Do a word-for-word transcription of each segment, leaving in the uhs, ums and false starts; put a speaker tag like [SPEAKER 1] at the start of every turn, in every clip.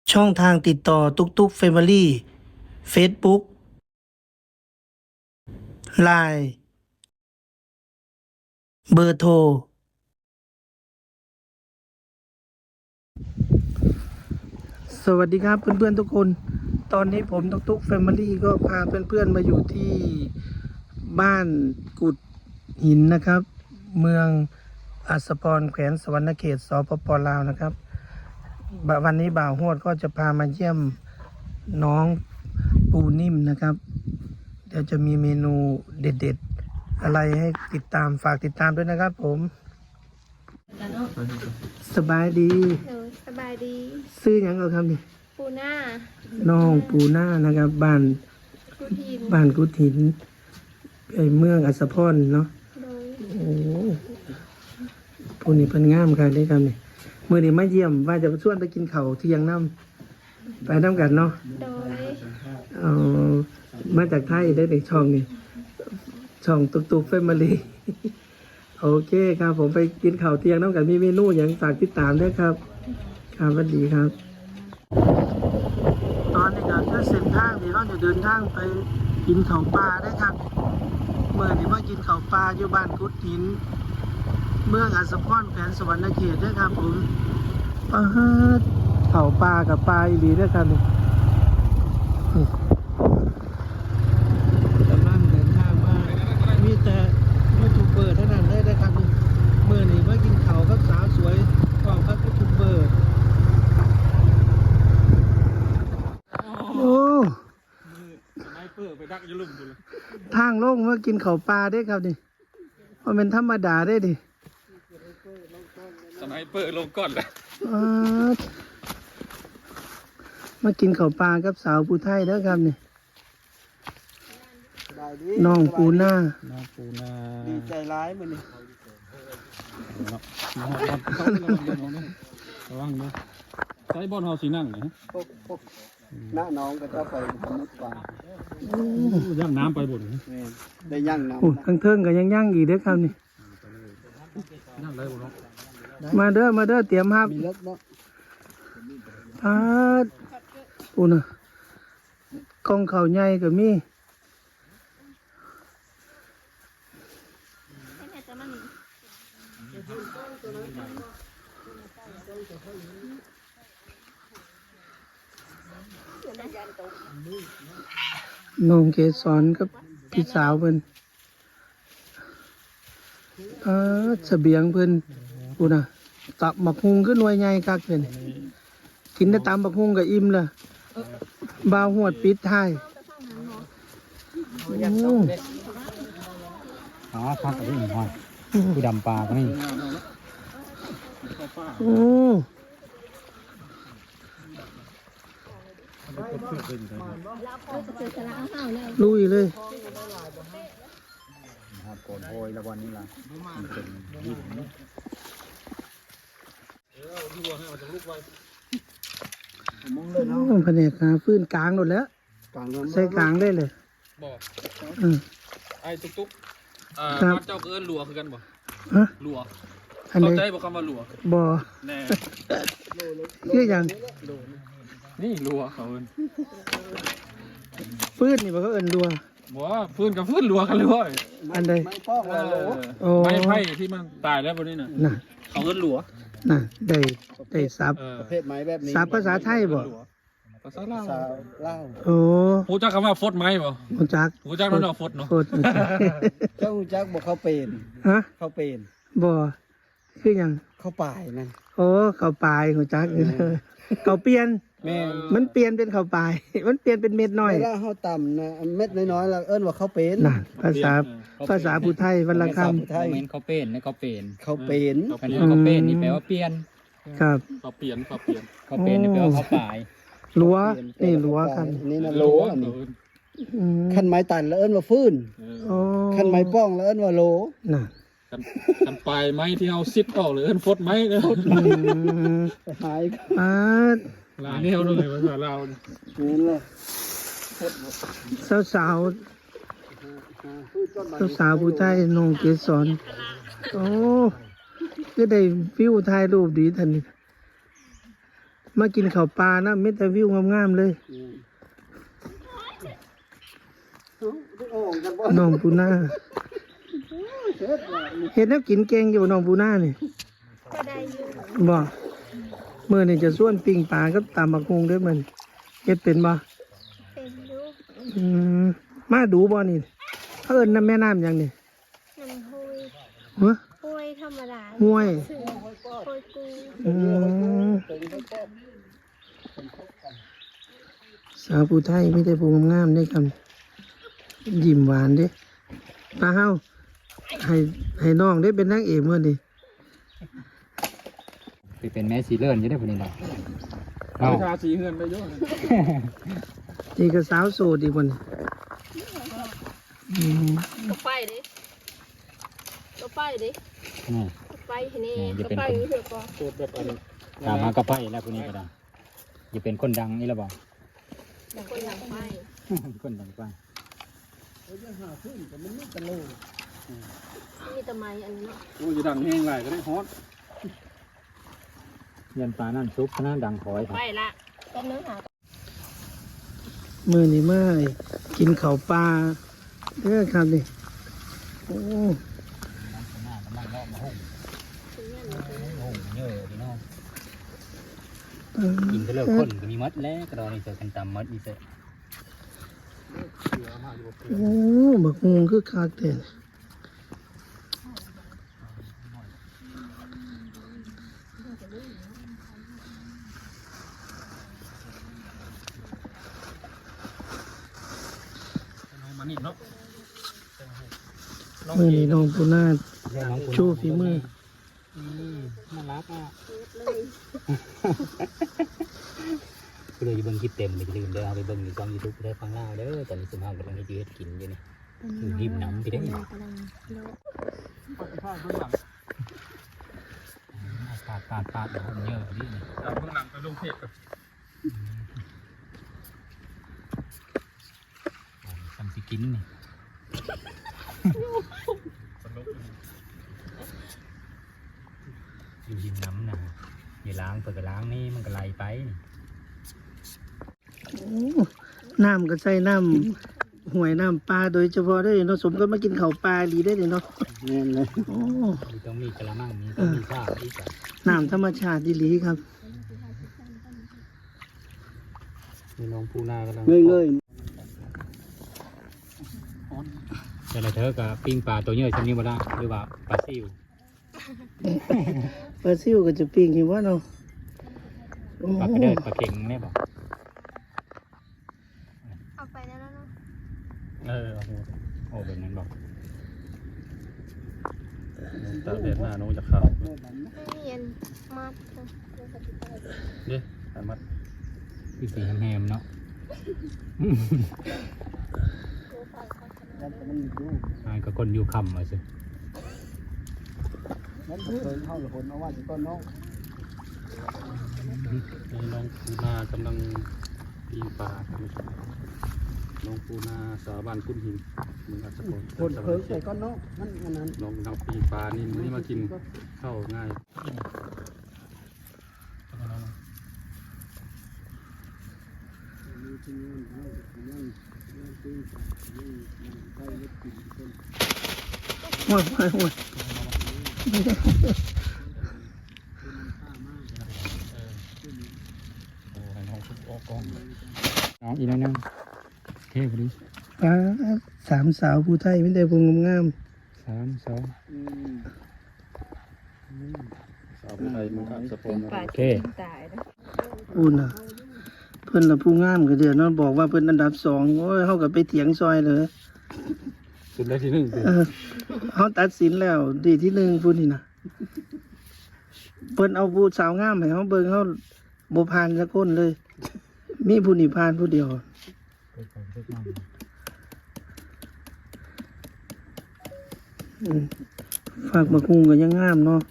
[SPEAKER 1] ช่องทางติดต่อตุกตุกเฟมิลี่เฟซบุ๊กไลน์เบอร์โทร สวัสดีครับเพื่อนๆทุกคน ตอนนี้ผมตุกตุกเฟมิลี่ก็พาเพื่อนๆมาอยู่ที่บ้านกุดหินนะครับ เมืองอัสสพรแขวงสวรรณเขตสปปลาวนะครับบวันนี้บ่าวโฮดก็จะพามาเยี่ยมน้องปูนิ่มนะครับ เดี๋ยวจะมีเมนูเด็ดๆอะไรให้ติดตามฝากติดตามด้วยนะครับผมสบายดี
[SPEAKER 2] หนูสบายดี
[SPEAKER 1] ซื้อหยังเอาครับนี่
[SPEAKER 2] ปูหน้า
[SPEAKER 1] น้องปูหน้านะครับบ้าน
[SPEAKER 2] กูทีน
[SPEAKER 1] บ้านกุดหินไอเมืองอัสสพรเนาะ
[SPEAKER 2] โดย
[SPEAKER 1] โอ้ผู้นี้เพิ่นงามค่ะได้ครับนี่มื้อนี้มาเยี่ยมว่าจะชวนไปกินข้าวเที่ยงน้ำไปน้ำกันเนาะ
[SPEAKER 2] โดย
[SPEAKER 1] เอามาจากไทยได้เด็กช่องนี่ช่องตุกตุกแฟมิลี่ โอเคครับผมไปกินข้าวเที่ยงน้ำกันมีเมนูอย่างฝากติดตามด้วยครับครับสวัสดีครับ ตอนนี้ก็คือเส้นทางที่เราจะเดินทางไปกินข้าวปลาได้ครับเมื่อนี้มากินข้าวปลาอยู่บ้านกุดหิน เมืองอัสสพรแขวงสวรรณเขตด้วยครับผมปลาฮัดข้าวปลากับปลาอีหลีด้วยครับนี่กำลังเดินทางมามีแต่ยูทูบเบอร์เท่านั้นได้ได้ครับนี่เมื่อนี้มากินข้าวกับสาวสวยของครับยูทูบเบอร์โอ้
[SPEAKER 3] สไนเปอร์ไปดักอยุ่ลุ่มกูเลย
[SPEAKER 1] ทางโล่งมากินข้าวปลาได้ครับนี่มันเป็นธรรมดาได้ดิ
[SPEAKER 3] สไนเปอร์ลงก่อนเลย
[SPEAKER 1] อ๊าดมากินข้าวปลากับสาวผู้ไทยเด้อครับนี่น้องปูหน้า
[SPEAKER 3] น้องปูนา
[SPEAKER 4] ดีใจร้ายมันนี่
[SPEAKER 3] ระวังนะใช้บอลเฮาสีนั่งนะ
[SPEAKER 4] พวกพวกหน้าน้องก็จะไปมุดป่า
[SPEAKER 3] ย่างน้ำไปบน
[SPEAKER 4] แม่นได้ย่างน้ำ
[SPEAKER 1] โอ้
[SPEAKER 4] นะ
[SPEAKER 1] ทั้งเทิงก็ยังย่างอีกเด้อครับนี่
[SPEAKER 3] ย่างได้บ่เนาะ
[SPEAKER 1] มาเด้อมาเด้อเตรียมครับ
[SPEAKER 4] มีเล็กเนาะ
[SPEAKER 1] พาดปูน่ะกองข้าวใหญ่ก็มีน้องเกสรกับพี่สาวเพิ่นอ่าเสบียงเพิ่นปูน่ะตับหมักฮุงขึ้นหน่วยใหญ่คักเพิ่นกินได้ตามบักฮุงก็อิ่มละบ่าวหวดปิดท้ายโอ้
[SPEAKER 3] อ๋อพักกับพี่หอยผู้ดำปลาก็นี่
[SPEAKER 1] โอ้ลุยเลย
[SPEAKER 3] หอดโกนโอยแล้ววันนี้ล่ะมันเป็นหิน
[SPEAKER 4] มุ้งเลยเนาะ
[SPEAKER 1] โอ้แผนกหาฟื้นกลางหมดแล้ว
[SPEAKER 4] กลางเรือน
[SPEAKER 1] ใส่กลางได้เลย
[SPEAKER 3] บอก
[SPEAKER 1] อืม
[SPEAKER 3] ไอ้ตุ๊กตุ๊กอ่า
[SPEAKER 1] ครับ
[SPEAKER 3] บ้านเจ้าก็เอิ้นหลัวคือกันบ่
[SPEAKER 1] ฮะ
[SPEAKER 3] หลัว
[SPEAKER 1] อัน
[SPEAKER 3] เข้า
[SPEAKER 1] นี้
[SPEAKER 3] ใจบ่คำว่าหลัว
[SPEAKER 1] บ่อ
[SPEAKER 3] แน่
[SPEAKER 1] คืออย่าง
[SPEAKER 3] นี่หลัวเขาเอิ้น
[SPEAKER 1] ฟื้นนี่บ่เขาเอิ้นดัว
[SPEAKER 3] บ่ว่าพื้นกับพื้นหลัวกันเลยเว้ย
[SPEAKER 1] อันใด
[SPEAKER 4] ไม่ป้อง
[SPEAKER 3] เอ
[SPEAKER 4] เลยโหล
[SPEAKER 3] อไม้ไผ่ที่มันตายแล้วบนนี้น่ะ
[SPEAKER 1] น่ะ
[SPEAKER 3] เขาเอิ้นหลัว
[SPEAKER 1] น่ะได้ได้ซับ
[SPEAKER 3] เออ
[SPEAKER 4] ประเภทไม้แบบนี้
[SPEAKER 1] ซับภาษาไทยบ่
[SPEAKER 3] ภาษาลาว
[SPEAKER 4] สาวเล่า
[SPEAKER 1] โอ้
[SPEAKER 3] รู้จักคำว่าฟดไหมบ่
[SPEAKER 1] ฮู้จัก
[SPEAKER 3] รู้จักนั่นเนาะฟดเนาะ
[SPEAKER 1] โคตร
[SPEAKER 4] เจ้าหูจักบอกเขาเป็น
[SPEAKER 1] ฮะ
[SPEAKER 4] เขาเป็น
[SPEAKER 1] บ่คือหยัง
[SPEAKER 4] เขาป่ายนั่น
[SPEAKER 1] โอ้ข้าวปลายฮู้จักข้าวเปลี่ยน
[SPEAKER 4] แม่น
[SPEAKER 1] มันเปลี่ยนเป็นข้าวปลาย มันเปลี่ยนเป็นเม็ดน้อย
[SPEAKER 4] เวลาเขาต่ำนะเม็ดน้อยๆแล้วเอิ้นว่าเขาเป็น
[SPEAKER 1] น่ะภาษาภาษาผู้ไทยวันละคำ
[SPEAKER 4] ภาษาผู้ไทย
[SPEAKER 5] เมนเขาเป็นนะเขาเป็น
[SPEAKER 4] เขาเป็น
[SPEAKER 5] คันนี้เขาเป็นนี่แปลว่าเปลี่ยน
[SPEAKER 1] ครับ
[SPEAKER 3] เขาเปลี่ยนเขาเปลี่ยน
[SPEAKER 5] เขาเป็นนี่แปลว่าเขาป่าย
[SPEAKER 1] รั้วนี่รั้วครับ
[SPEAKER 4] อันนี่นะ
[SPEAKER 3] โล
[SPEAKER 4] รั้ว
[SPEAKER 3] อัน
[SPEAKER 4] นี่
[SPEAKER 3] นี้
[SPEAKER 1] อืม
[SPEAKER 4] ขั้นไม้ตันแล้วเอิ้นว่าฟื้น
[SPEAKER 1] โอ้
[SPEAKER 4] ขั้นไม้ป้องแล้วเอิ้นว่าโหล
[SPEAKER 1] น่ะ
[SPEAKER 3] กันกันปลายไม้ที่เอาซิดออกหรือเอิ้นฟดไม้เนาะ
[SPEAKER 1] อืม
[SPEAKER 4] หาย
[SPEAKER 1] อ่า
[SPEAKER 3] หลายแนวเลยภาษาลาว
[SPEAKER 4] นี่เลย
[SPEAKER 1] สาวสาวสาวสาวๆผู้ไทยน้องเกสรโอ้ก็ได้ฟิวถ่ายรูปดีทันนี่มากินข้าวปลานะเม็ดแต่วิวงามๆเลย
[SPEAKER 4] อืมเอ้าไปโอ่งกันบ่
[SPEAKER 1] น้องปูนา
[SPEAKER 4] เฮ็ดว่านี่
[SPEAKER 1] เฮ็ดแนวกินเก่งอยู่บ่น้องปูนานี่
[SPEAKER 2] ก็ได้อยู่
[SPEAKER 1] บ่มื้อนี้จะส่วนปิ้งปลากับตำบักฮุงเด้อมันเฮ็ดเป็นบ่
[SPEAKER 2] เป็นอยู่
[SPEAKER 1] อืมมาดูบ่นี่เขาเอิ้นน้ำแม่น้ำหยังนี่
[SPEAKER 2] น้ำห้วย
[SPEAKER 1] ฮะ
[SPEAKER 2] ห้วยธรรมดา
[SPEAKER 1] ห้วย
[SPEAKER 2] สื่อห้วยกู
[SPEAKER 1] อืมสาวผู้ไทยมีแต่ผู้งามๆเด้ครับยิ้มหวานเด้ปลาเฮาให้ให้น้องได้เป็นนางเอกมื้อนี้
[SPEAKER 5] ไปเป็นแม่สีเลื่อนอยู่ได้พุ่นนี่ล่ะ
[SPEAKER 3] เอา
[SPEAKER 5] เอา
[SPEAKER 3] ชาสีเฮือนไปเยอะ
[SPEAKER 1] นี่ก็สาวโสดอีกคนอืม
[SPEAKER 2] ก็ไปดิก็ไปดิ
[SPEAKER 5] นี่
[SPEAKER 2] ก็ไปทีนี้
[SPEAKER 5] นี่จะ
[SPEAKER 2] ก็
[SPEAKER 5] เป็น
[SPEAKER 2] ไป
[SPEAKER 5] คน
[SPEAKER 2] อยู่เถอะก็
[SPEAKER 3] โคตรแบบอันนี้
[SPEAKER 5] ตามมากระไปแล้วพุ่นนี้ก็ได้อย่าเป็นคนดังนี่ละบ่
[SPEAKER 2] คนหลังไป
[SPEAKER 5] คนดังกว่า
[SPEAKER 2] มีแตะไม้อันนี้เนาะ
[SPEAKER 3] โอ้ยจะดังแห้งไหลก็ได้ฮอต
[SPEAKER 5] ยันปลานั่นซุปขนาดดังคอยครับ
[SPEAKER 2] ไปละก็เนื้อหา
[SPEAKER 1] มื้อนี้มากินข้าวปลาเด้อครับนี่โอ้
[SPEAKER 5] เยอะพี่น้อง
[SPEAKER 1] เออ
[SPEAKER 5] กินก็เลิกคนก็มีมัดแล้วก็รอนี่เจอกันตามมัดนี่เสร็จ
[SPEAKER 1] โอ้บักฮุงคือคักแต่
[SPEAKER 3] มานี่เนาะ
[SPEAKER 1] มื้อนี้น้องปูนา
[SPEAKER 5] น้องคุณ
[SPEAKER 1] โชว์ฝีมือ
[SPEAKER 5] น่ารักอ่ะก็เลยเบิ่งคลิปเต็มเลยอย่าลืมเด้อเอาไปเบิ่งในช่องยูทูบได้ฟังเล่าเด้อตอนนี้สมภาพกำลังจะเฮ็ดกินอยู่นี่อยู่ริมน้ำพี่ได้อ
[SPEAKER 2] กำลังโลก
[SPEAKER 3] ข้างเบื้องหลัง
[SPEAKER 5] ปาดปาดปาดเดี๋ยวมันเยอะดิ
[SPEAKER 3] จากเบื้องหลังไปลงเทพกับ
[SPEAKER 5] ทำสิกินนี่
[SPEAKER 3] สนุก
[SPEAKER 5] อยู่ริมน้ำนะอย่าล้างเปิดก็ล้างนี่มันก็ไหลไปนี่
[SPEAKER 1] โอ้น้ำก็ใส่น้ำห้วยน้ำปลาโดยเฉพาะได้อเนาะสมก็มากินข้าวปลาดีได้อเนาะ
[SPEAKER 4] แม่นเลย
[SPEAKER 1] โอ้
[SPEAKER 5] มีต้องมีกระมังมีต้องมีข้าวอีกอ่ะ
[SPEAKER 1] น้ำธรรมชาติดีหลีครับ
[SPEAKER 3] มีน้องปูนากำลัง
[SPEAKER 4] เงยเงย
[SPEAKER 5] แต่ละเธอกับปิ้งปลาตัวเยอะชนิดบ่ได้หรือว่าปลาซิว
[SPEAKER 1] ปลาซิวก็จะปิ้งอยู่ว่าเนาะโอ้
[SPEAKER 5] ปลากระเดิดปลาเข็งแม่บอก
[SPEAKER 2] เอาไปแล้วเนาะ
[SPEAKER 3] เออโอ้โห
[SPEAKER 5] โอ้แบบนั้นบอก
[SPEAKER 3] ตาเด็ดหน้าน้องจะเข้า
[SPEAKER 2] ไม่มีอันมัดเนาะ
[SPEAKER 3] เด้สามารถ
[SPEAKER 5] พี่สีแฮมๆเนาะ
[SPEAKER 4] แล้วก็มันอยู่
[SPEAKER 5] อ่าก็คนอยู่คำมาสิ
[SPEAKER 4] นั้นก็เคยเข้าละคนเอาว่าจะต้นน้อง
[SPEAKER 3] มีน้องปูนากำลังปีนป่าครับน้องปูนาสาวบ้านคุณหินมึงอัศพล
[SPEAKER 4] คนเพิ่งใส่ก้อนน้องมันอันนั้น
[SPEAKER 3] น้องน้องปีนป่านี่นี่มากินเข้าง่าย
[SPEAKER 1] ห่วยห่วยห่วย
[SPEAKER 3] โอ้ให้น้องทุกออกกล้อง
[SPEAKER 5] น้องอีกแล้วนึงเท่พอดี
[SPEAKER 1] ปลาสามสาวผู้ไทยไม่ได้พุงงาม
[SPEAKER 5] สามสอง
[SPEAKER 4] อืม
[SPEAKER 3] สาวผู้ไทยมึงอัศพล
[SPEAKER 5] โอเค
[SPEAKER 2] ตายนะ
[SPEAKER 1] ๆอุ่นอ่ะ เพิ่นละผู้งามก็เดี๋ยวเนาะบอกว่าเพิ่นอันดับสองโอ้ยเฮาก็ไปเถียงซอยเลย
[SPEAKER 3] สุดได้ที่หนึ่งสิ
[SPEAKER 1] เออเฮาตัดสินแล้ว ดีที่หนึ่งผู้นี่นะเพิ่นเอาผู้สาวงามให้เฮาเบิ่งเฮาบ่ผ่านสักคนเลย มีผู้นี่ผ่านผู้เดียว อืมฝากบักฮุงก็ยังงามเนาะ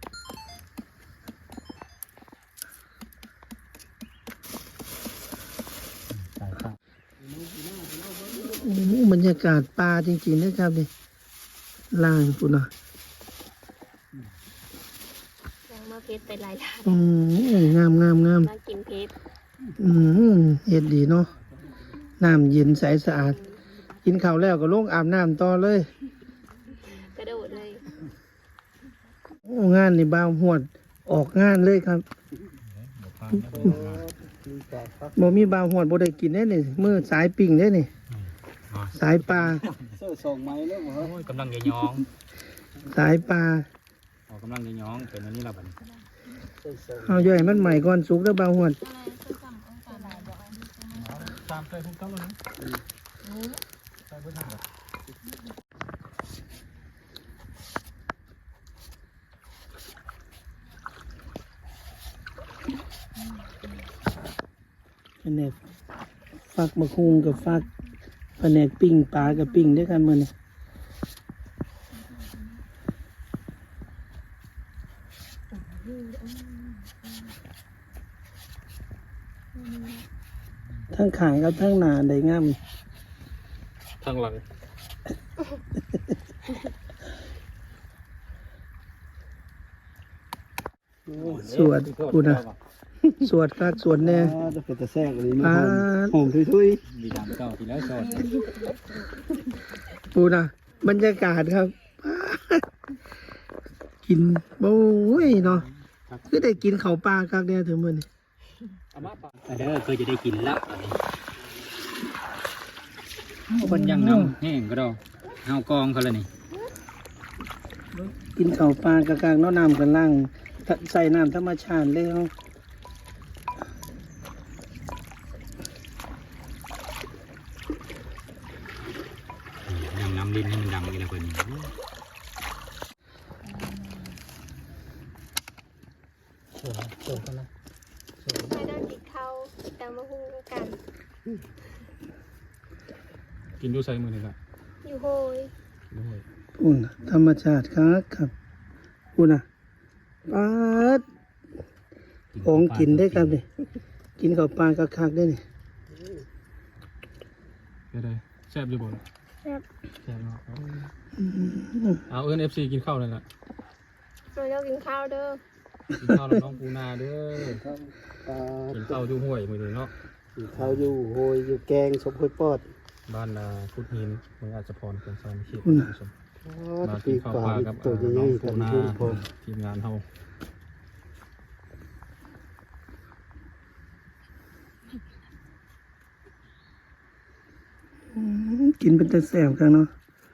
[SPEAKER 5] สายข้าว
[SPEAKER 1] โอ้โหบรรยากาศป่าจริงๆนะครับนี่ล่างปุ่นอ่ะ
[SPEAKER 2] ยังมาเพชรไปหลายร้าน
[SPEAKER 1] อืมงามงามงาม
[SPEAKER 2] มากินเพชร
[SPEAKER 1] อืมเฮ็ดดีเนาะน้ำเย็นใสสะอาด กินข้าวแล้วก็ลงอาบน้ำต่อเลย
[SPEAKER 2] กระโดดเลย
[SPEAKER 1] โอ้งานนี่บ่าวหวดออกงานเลยครับบ่มีบ่าวหวดบ่ได้กินได้นี่มื้อสายปิ่งได้นี่ สายปลา
[SPEAKER 4] เสื้อส่งไม้แล้วเหรอ
[SPEAKER 5] โอ้ยกำลังจะย้อง
[SPEAKER 1] สายปลา
[SPEAKER 5] ออกกำลังจะย้องเป็นอันนี้และบัดนี้
[SPEAKER 4] เสื้อส่ง
[SPEAKER 1] เอาย่อยมันใหม่ก่อนสุกเด้อบ่าวหวด
[SPEAKER 3] ตามใจทุกท่านแล้วนะใส่เพื่อนทำแบบ
[SPEAKER 1] แผนกฟักมะคุงกับฟักแผนกปิ้งปลากับปิ้งด้วยกันมื้อนี้ทั้งขางกับทั้งหน้าได้งาม
[SPEAKER 3] ทางหลัง
[SPEAKER 1] สวดกูนะสวดคักสวดแน่
[SPEAKER 4] อ่าจะเป็นตะแซงอันนี้
[SPEAKER 1] ป
[SPEAKER 4] มา
[SPEAKER 1] ลา
[SPEAKER 4] หอมทุย
[SPEAKER 5] มีดำเก้าทีแล้วชอด
[SPEAKER 1] ปูนะบรรยากาศครับ กินโอ้ยเนาะคือได้กินข้าวปลาคักเนี่ยถึงมื้อนี้
[SPEAKER 3] เอามาปะ
[SPEAKER 5] เด้อเคยจะได้กินแล้วอันนี้คนยังนำแห้งก็ได้เฮากองเขาเลยนี่
[SPEAKER 1] กินข้าวปลากะกางเนาะน้ำกันล่างใส่น้ำธรรมชาติเลยเฮา
[SPEAKER 5] ยังนำลิ้นให้มันดำอีกแล้วคนนี้
[SPEAKER 1] สวยสวยกันนะ
[SPEAKER 2] ไม่ได้กินข้าวแต่มาหุ้งกัน
[SPEAKER 3] กินดูใส่มือนี่แหละ
[SPEAKER 2] อยู่โฮย
[SPEAKER 3] ด้วย
[SPEAKER 1] ปูนะธรรมชาติครับครับปูนะปลาดของกินได้ครับนี่กินข้าวปลากะคักได้นี่
[SPEAKER 3] เดี๋ยวได้แซ่บอยู่บ่ล่ะ
[SPEAKER 2] แซ่บ
[SPEAKER 3] แซ่บเนาะเอาเอิ้น เอฟ ซี กินข้าวเลยล่ะ
[SPEAKER 2] เราจะกินข้าวเด้อ
[SPEAKER 3] กินข้าวแล้วน้องปูนาเด้อ
[SPEAKER 4] ๆครับปลา
[SPEAKER 3] กินข้าวอยู่ห้วยมื้อนี้เนาะ
[SPEAKER 4] เขาอยู่โหยอยู่แกงสมโพยปอด
[SPEAKER 3] บ้านนาพุทธหินเมืองอาจจะพรเป็นซอยเขต
[SPEAKER 1] อืม
[SPEAKER 3] ผู้ชม
[SPEAKER 4] อ๋อ
[SPEAKER 3] มา
[SPEAKER 4] ปี
[SPEAKER 3] กิน
[SPEAKER 4] ก
[SPEAKER 3] ข้าว
[SPEAKER 4] ปลา
[SPEAKER 3] ปลา
[SPEAKER 4] อี
[SPEAKER 3] กับ
[SPEAKER 4] กตัว
[SPEAKER 3] เอ่อ
[SPEAKER 4] ให
[SPEAKER 3] น้
[SPEAKER 4] ญ่
[SPEAKER 3] อง
[SPEAKER 4] ๆ
[SPEAKER 3] ปู
[SPEAKER 4] กัน
[SPEAKER 3] นา
[SPEAKER 4] ยุ่งพอ
[SPEAKER 3] ทีมงานเฮา
[SPEAKER 1] อืมกินเป็นแต่แสบกันเนาะ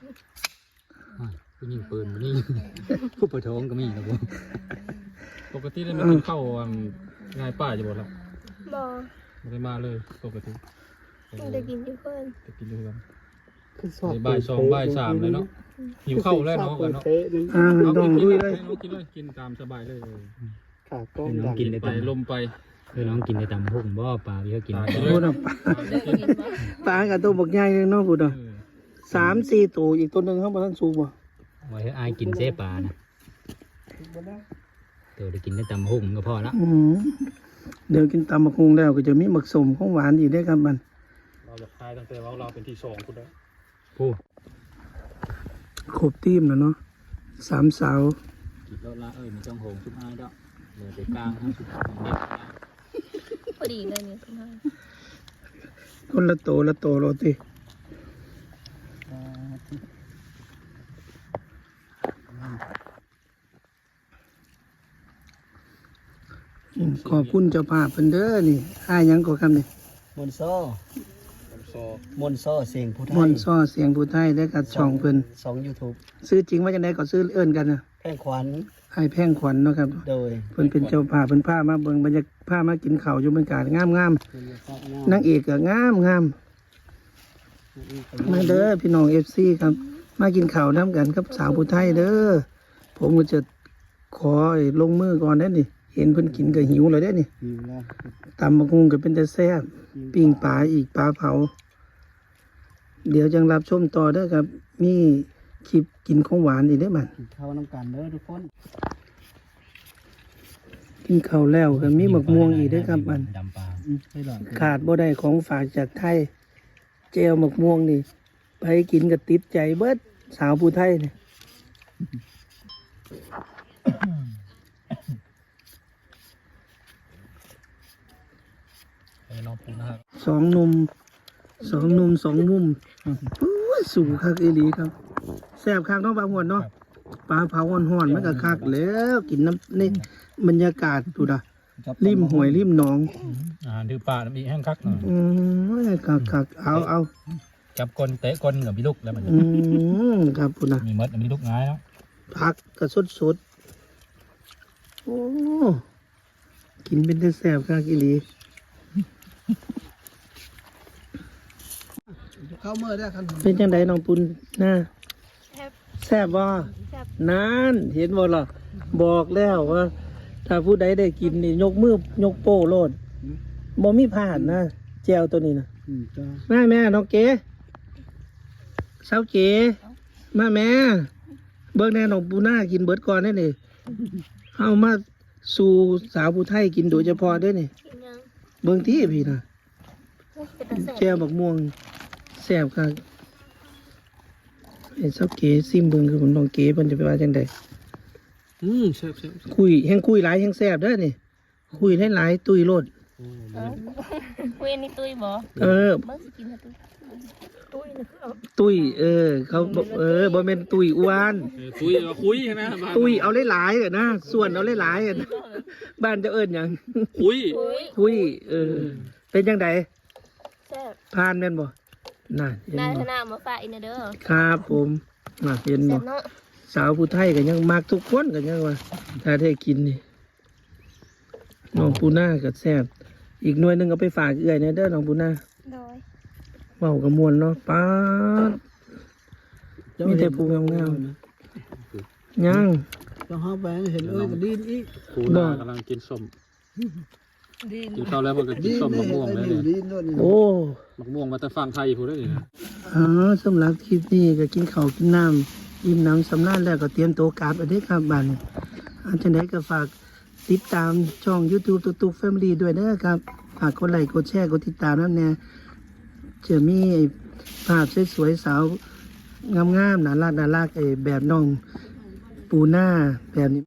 [SPEAKER 5] ผู้ยิงปืนผู้ยิงผู้ประท้วงก็มีนะผม
[SPEAKER 3] ปกติได้มากินข้าวอันง่ายป้าจะบ่ล่ะ
[SPEAKER 2] บอ
[SPEAKER 3] ไม่ได้มาเลยปกติ
[SPEAKER 2] มันจะกินอยู่เพื่อน
[SPEAKER 3] จะกินด้วยกัน
[SPEAKER 4] คือสอบ
[SPEAKER 3] บ่ายสองบ่ายสามเลยเนาะหิวข้าวแล้วเนาะกันเนาะ
[SPEAKER 4] เป๊ะนึง
[SPEAKER 1] อ่า
[SPEAKER 3] เอา
[SPEAKER 1] ดอง
[SPEAKER 3] กิน
[SPEAKER 1] ด้วย
[SPEAKER 3] เล
[SPEAKER 1] เลย ย
[SPEAKER 3] น้องกินเลยกินตามสบายเลย
[SPEAKER 4] ขาต้ม
[SPEAKER 5] น้อง
[SPEAKER 4] ดำ
[SPEAKER 5] กินได้
[SPEAKER 3] ไป
[SPEAKER 5] ตำ
[SPEAKER 3] ลมไป
[SPEAKER 5] คือน้องกินได้ตำหุ่งบ่ปลาที่เขากิน
[SPEAKER 3] ตาย
[SPEAKER 5] ได้
[SPEAKER 3] เลย
[SPEAKER 1] พูดอ่ะปลากับตัวบักใหญ่เลยเนาะพูดอ่ะสามสี่ตัวอีกตัวหนึ่งข้างบนท่านสูบบ่
[SPEAKER 5] ไว้ให้อายกินเส้ปลานะตัวได้กินได้ตำหุ่งก็พอละ
[SPEAKER 1] อืมเดี๋ยวกินตำบักฮุงแล้วก็จะมีหมักสมของหวานอีกได้ครับมัน
[SPEAKER 3] เราจะคายตั้งแต่ว่าเราเป็นที่สองคุณแล้ว
[SPEAKER 5] ผู้
[SPEAKER 1] ครบทีมแล้วเนาะสามสาว
[SPEAKER 5] กินแล้วละเอ้ยมีจ้องโหงชุบอายดอกเหลือแต่กลางทั้งชุบเด็ด
[SPEAKER 2] พอดีเลยเนี่ยคุณพ่อ
[SPEAKER 1] คนละโตละโตโรตีอืมขอบคุณเจ้าภาพเพิ่นเด้อนี่อ้ายหยังก็คำนี่
[SPEAKER 4] มนโซ่
[SPEAKER 3] ซอ
[SPEAKER 4] มนโซ่เสียงผู้ไท
[SPEAKER 1] ม่อน
[SPEAKER 4] ย
[SPEAKER 1] ซ้อเสียงผู้ไทยได้กับช่องเพิ่น
[SPEAKER 4] สองยูทูบ
[SPEAKER 1] ซื้อจริงว่าจังไดก็ซื้อเอิ้นกันนะ
[SPEAKER 4] แพงขวัญ
[SPEAKER 1] อ้ายแพงขวัญเนาะครับ
[SPEAKER 4] โดย
[SPEAKER 1] เพิ่นเป็นเจ้าภาพเพิ่นพามาเบิ่งบรรยากาศพามากินข้าวอยู่บรรยากาศงามๆ
[SPEAKER 4] น
[SPEAKER 1] นางเอกก็งามงามมาเด้อพี่น้อง เอฟ ซี ครับ มากินข้าวน้ำกันกับสาวผู้ไทยเด้อผมก็จะขอลงมือก่อนได้อนี่ เห็นเพิ่นกินก็หิวเลยได้อนี่
[SPEAKER 4] อยู่แล้ว
[SPEAKER 1] ตำบักหุ่งก็เป็นแต่แซ่บปิ้งปลาอีกปลาเผา เดี๋ยวจังรับชมต่อเด้อครับ มีคลิปกินของหวานอีกได้อบัด
[SPEAKER 4] กินข้าวน้ำกันเด้อทุกคน
[SPEAKER 1] กินข้าวแล้วก็มีหมกม่วงอีกได้อครับบัด
[SPEAKER 5] ดำปลา
[SPEAKER 4] อืมให้หลาน
[SPEAKER 1] ขาดบ่ได้ของฝากจากไทย เจลหมกม่วงนี่ไปกินก็ติดใจเบิดสาวผู้ไทยนี่
[SPEAKER 3] ให้น้องปูนะครับ
[SPEAKER 1] สองหนุ่มสองหนุ่มสองมุมโอ้ยสูงคักอีหลีครับแซ่บคักเนาะปลาหวนเนาะปลาเผาห่อนๆมันก็คักแล้วกินน้ำนี่บรรยากาศดูดะริมห้วยริมหนอง
[SPEAKER 3] อาหารถือป่าน้ำอีแห้งคักหน่อย
[SPEAKER 1] อืมคักคักเอาเอา
[SPEAKER 3] จับกลเตะกลกับพี่ลูกแล้วมัน
[SPEAKER 1] อืมครับพุ่นนะ
[SPEAKER 3] มีมดมีลูกง่ายแล้ว
[SPEAKER 1] ผักก็สดสดๆโอ้กินเป็นแต่แซ่บคักอีหลี
[SPEAKER 4] เข้าเมื่อได้คัน
[SPEAKER 1] เป็นจังไดน้องปุณหน้า
[SPEAKER 2] แซ่บ
[SPEAKER 1] แซ่บบ่
[SPEAKER 2] แซ่บ
[SPEAKER 1] นานเห็นบ่ล่ะบอกแล้วว่า ถ้าผู้ใดได้กินนี่ยกมือยกโป้โลดบ่มีพลาดนะแจวตัวนี้นะ
[SPEAKER 4] อืมจ้า
[SPEAKER 1] แม่แม่น้องเก๋สาวเก๋มาแม่เบิ่งแน่น้องปูน่ากินเบิดก่อนได้นี่เอามาสู่สาวผู้ไทยกินโดยเฉพาะได้นี่
[SPEAKER 2] กินยัง
[SPEAKER 1] เบิ่งที่พี่นะ
[SPEAKER 2] เป็นตาแซ่บ
[SPEAKER 1] แจวบักม่วงแซ่บครับไอ้สาวเก๋ซิมเบิ่งคือผมน้องเก๋เพิ่นจะไปว่าจังได
[SPEAKER 3] อืมแซ่บแซ่บแซ่บ
[SPEAKER 1] คุยแห่งคุยหลายแห่งแซ่บเด้อนี่ คุยหลายๆตุยโลด
[SPEAKER 2] เว้นนี่ตุ้ยบ่
[SPEAKER 1] เออ
[SPEAKER 2] เบิ่งสิกินให้ตุ้ยตุ้ยนี่คือเอา
[SPEAKER 1] ตุยเออ เขาบอกเออบ่แม่นตุยอ้วน
[SPEAKER 3] คุยคุยใช่ไหม
[SPEAKER 1] ตุยเอาหลายๆอะนะส่วนเอาหลายๆอะนะบ้านเจะเอิ้นหยัง
[SPEAKER 3] คุย
[SPEAKER 2] ตุ้ย
[SPEAKER 1] คุยเออ เป็นจังได
[SPEAKER 2] แซ่บ
[SPEAKER 1] ผ่านแม่นบ่น่ะเห็น
[SPEAKER 2] นาย
[SPEAKER 1] บ่
[SPEAKER 2] ธนามาฝากอีกนะเด้อ
[SPEAKER 1] ครับผมน่ะเห็น
[SPEAKER 2] แซ่
[SPEAKER 1] บ่
[SPEAKER 2] บเนาะ
[SPEAKER 1] สาวผู้ไทยก็ยังมักทุกคนก็ยังว่า ถ้าได้กินนี่น้องปูนาก็แซ่บอีกหน่วยหนึงเอาไปฝากเอื้อยแหน่เด้อน้องปูนา
[SPEAKER 2] โดย
[SPEAKER 1] เว้ากับมวลเนาะป๊าด มีแต่ผู้งามๆยัง
[SPEAKER 4] เจ้าห้าแบงเห็นเอ้ยก็ดีนอีก
[SPEAKER 3] ปูนากำลังกินส้มกินข้าวแล้วพอก็กิ
[SPEAKER 4] ดี
[SPEAKER 3] น
[SPEAKER 4] น
[SPEAKER 3] ส้ม
[SPEAKER 4] ได้
[SPEAKER 3] มะ
[SPEAKER 4] เห็น
[SPEAKER 3] ม่วง
[SPEAKER 4] ไอ้
[SPEAKER 3] แล้ว
[SPEAKER 4] หนิ
[SPEAKER 3] เนี่
[SPEAKER 4] วย ดีนด้วยนี่
[SPEAKER 1] โอ้
[SPEAKER 3] มะม่วงมาแต่ฟังไทยพูดได้เลยนะ
[SPEAKER 1] อ๋อสำหรับคลิปนี้ก็กินข้าวกินน้ำอิ่มน้ำสำราญแล้วก็เตรียมตัวกลับอันนี้ครับบ้านนี้อันจังไดก็ฝากติดตามช่อง YouTube ตุ๊กตุ๊ก Family ด้วยเด้อครับ ฝากกดไลค์กดแชร์กดติดตามนั่นแน่จะมีไอ้ภาพสวยๆสาวงามๆน่ารักน่ารักไอ้แบบน้องปูหน้าแบบนี้